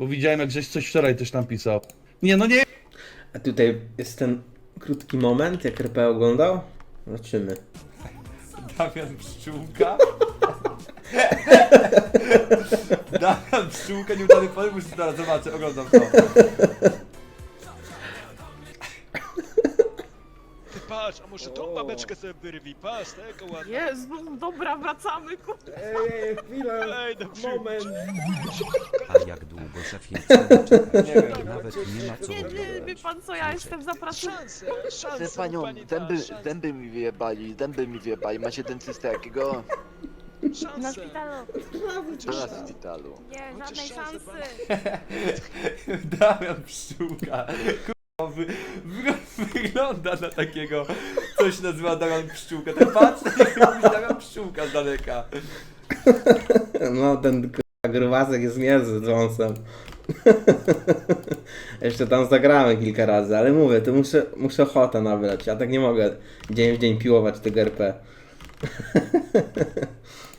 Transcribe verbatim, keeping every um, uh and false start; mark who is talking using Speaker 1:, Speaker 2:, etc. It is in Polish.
Speaker 1: Bo widziałem, jak żeś coś wczoraj też tam pisał. Nie, no nie!
Speaker 2: A tutaj jest ten krótki moment, jak R P oglądał? Zobaczymy.
Speaker 1: Damian Pszczółka? Damian Pszczółka, nieudany powiem, już teraz zobaczę, oglądam to.
Speaker 3: Ty patrz, a może tą babeczkę sobie wyrwij, patrz, tego ładnie.
Speaker 4: Jezu, dobra, wracamy, ku...
Speaker 2: Ej, ej, chwilę,
Speaker 3: Ej, no przy-
Speaker 2: moment.
Speaker 5: A jak długo szefie czekać?
Speaker 1: Nie wiem.
Speaker 5: Nawet nie ma co
Speaker 4: Nie, nie, wie pan co, ja jestem zapraszana.
Speaker 3: Szanse, szanse,
Speaker 6: Chcę panią,
Speaker 3: pani da,
Speaker 6: dęby,
Speaker 3: szanse,
Speaker 6: dęby mi wyjebali, dęby mi wyjebali. Macie dentystę jakiego?
Speaker 4: Na
Speaker 3: szanse.
Speaker 4: szpitalu.
Speaker 6: Na szpitalu.
Speaker 4: Nie,
Speaker 3: Macie
Speaker 4: żadnej
Speaker 3: szansę,
Speaker 4: szansy.
Speaker 1: Damian Pszczółka. Kurwa, wy, wy, wygląda na takiego, coś nazywa Damian Pszczółka. Tak patrz, jak mówi Damian Pszczółka z daleka.
Speaker 2: No, ten k***a grubasek jest niezły z wąsem. Jeszcze tam zagramy kilka razy, ale mówię, to muszę, muszę ochotę nabrać. Ja tak nie mogę dzień w dzień piłować tego R P.